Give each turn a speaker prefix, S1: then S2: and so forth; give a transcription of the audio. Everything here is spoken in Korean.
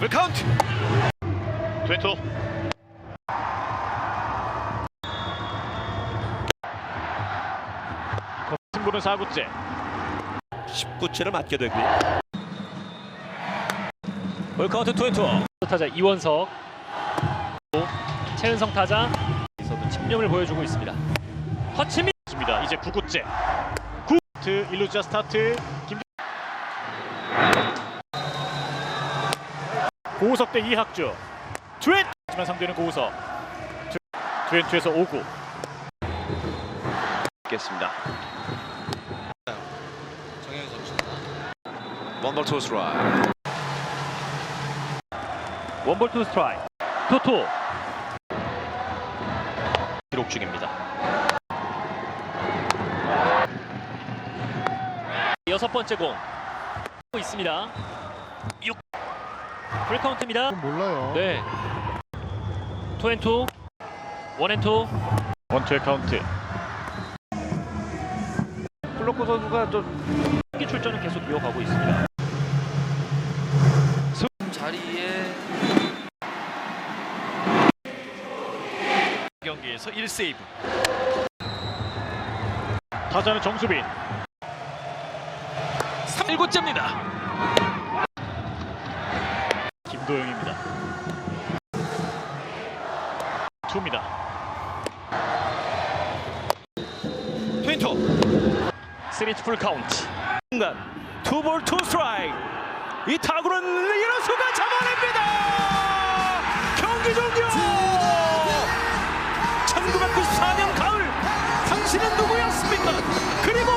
S1: 풀카운트. 트웬토. 승부는 4구째.
S2: 19채를 맞게 되고요.
S3: 풀카운트 트웬토.
S4: 타자 이원석, 최은성 타자 에서도 집념을 보여주고 있습니다. 허치민
S1: 입니다. 이제 9구째. 9트 1루자 스타트. 고우석 대 이학주. 트웬. 하지만 상대는 고우석. 트웬투에서 5구. 겠습니다.
S5: 정현 선수.
S2: 원볼 투 스트라이크.
S4: 원볼 투 스트라이크. 토토 기록 중입니다. 여섯 번째 공 있습니다. 6 풀카운트입니다.
S5: 몰라요.
S4: 네. 투앤투 원앤투
S1: 원투의 카운트.
S3: 플로코 선수가 좀
S4: 경기 출전은 계속 이어가고 있습니다.
S5: 자리에
S1: 경기에서 1세이브. 타자는 정수빈.
S3: 3구째입니다.
S1: 김도영입니다. 투입니다.
S2: 트윈토.
S4: 3투 풀카운트.
S3: 순간 투볼 투 스트라이크. 이 타구는 이루수가 잡아냅니다. 경기 종료. 1994년 가을 당신은 누구였습니까? 그리고